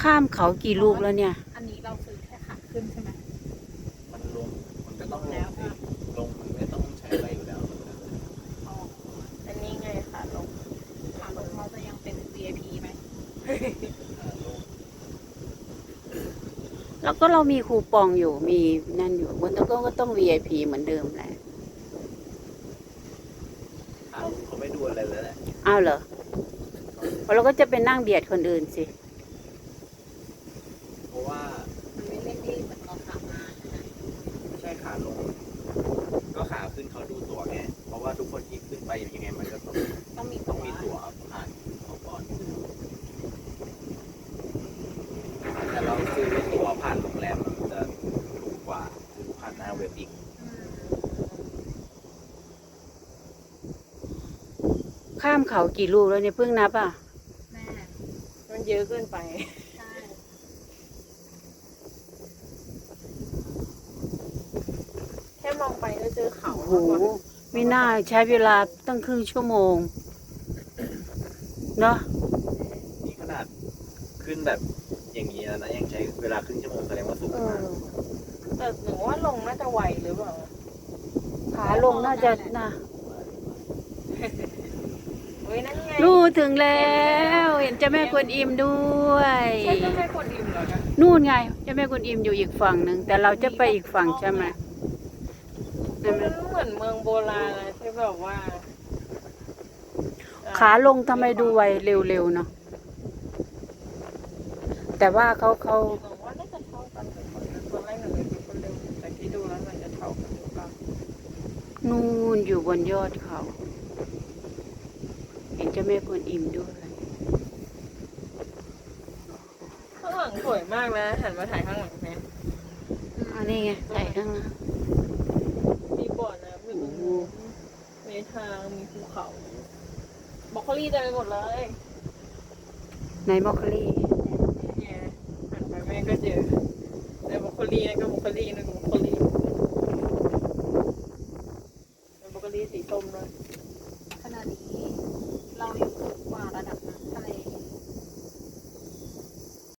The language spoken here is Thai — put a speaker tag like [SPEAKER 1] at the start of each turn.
[SPEAKER 1] ข้ามเขากี่ลูกแล้วเนี่ย
[SPEAKER 2] อันนี้เราซื้อแค่ขาขึ้นใช่ไหม
[SPEAKER 3] มันลงมันก็ต้องลงสิลงมันไม่ต้องใช้อะไรอยู่แล้ว
[SPEAKER 2] อ๋ออันนี้ไงขาลงเราจะยังเป็น VIP ไหม
[SPEAKER 1] แล้วก็เรามีคูปองอยู่มีนั่นอยู่บนโต๊ะก็ต้อง VIP เหมือนเดิมแหละ
[SPEAKER 3] ลุงเขาไม่ดูอะไรเลยแหละ
[SPEAKER 1] อ้าวเหรอเพราะเราก็จะไปนั่งเบียดคนอื่นสิ
[SPEAKER 3] เพราะว่า
[SPEAKER 2] มันไม่เร่งรีบเหมือนเราขับมาใช่ไหม
[SPEAKER 3] ไม่ใช่ขาลงก็ขาขึ้นเขาดูตั๋วไงเพราะว่าทุกคนที่ขึ้นไปยังไงมันก็ต้อง
[SPEAKER 2] มี
[SPEAKER 3] มีตั๋วผ่านเขาก่อนแต่เราซื้อตั๋วผ่านโรงแรมมันจะถูกกว่าซื้อผ่านหน้าเว็บอีก
[SPEAKER 1] ข้ามเขากี่ลูกแล้วเนี่ยเพิ่งนับอ่ะ
[SPEAKER 2] แม่
[SPEAKER 4] มันเยอะเกินไป
[SPEAKER 2] ใช่
[SPEAKER 4] แค่มองไปก็เจอเขา
[SPEAKER 1] โอ้โหไม่น่าใช้เวลาตั้งครึ่งชั่วโมงเนาะ
[SPEAKER 3] นี่ขนาดขึ้นแบบอย่างนี้แล้วนะยังใช้เวลาครึ่งชั่วโมงแสดงว่าสูงมาก
[SPEAKER 4] แต่หนูว่าลงน่าจะไวหรือเปล่า
[SPEAKER 1] ขาลงน่าจะนะ
[SPEAKER 4] เฮ้ยนั่นไง
[SPEAKER 1] นู่นถึงแล้วเห็นเจ้าแม่กวนอิมด้วย
[SPEAKER 4] ใช่เจ้าแม่กวนอิมเหรอคะ
[SPEAKER 1] นู่นไงเจ้าแม่กวนอิมอยู่อีกฝั่งหนึ่งแต่เราจะไปอีกฝั่งใช่ไหม
[SPEAKER 4] มันเหมือนเมืองโบราณนะที่แบบว่า
[SPEAKER 1] ขาลงทำไมดูไวเร็วๆเนาะแต่ว่าเขา
[SPEAKER 4] หนูว่าน่าจะเท่ากันเป็นคนแรกหนูเลยเป็นคนเร็วแต่ที่ดูแล้วมันจะเท่ากันหรือเปล่า
[SPEAKER 1] นู่นอยู่บนยอดเขาเห็นเจ้าแม่กวนอิมด้วย
[SPEAKER 4] ข้างหลังสวยมากนะหันมาถ่ายข้างหลังแม่
[SPEAKER 1] อันนี้ไงถ่ายข้างหน้า
[SPEAKER 4] มีบ่อน้ำมีมีทางมีภูเขาบรอกโคลี่เต็มไปหมดเลย
[SPEAKER 1] ในมอคคลี่
[SPEAKER 4] เนี่ยหันไปแม่ก็เจอในบรอกโคลี่นั่นก็บรอกโคลี่นั่นก็บรอกโคลี่เป็นบรอกโคลี่สีส้มด้วย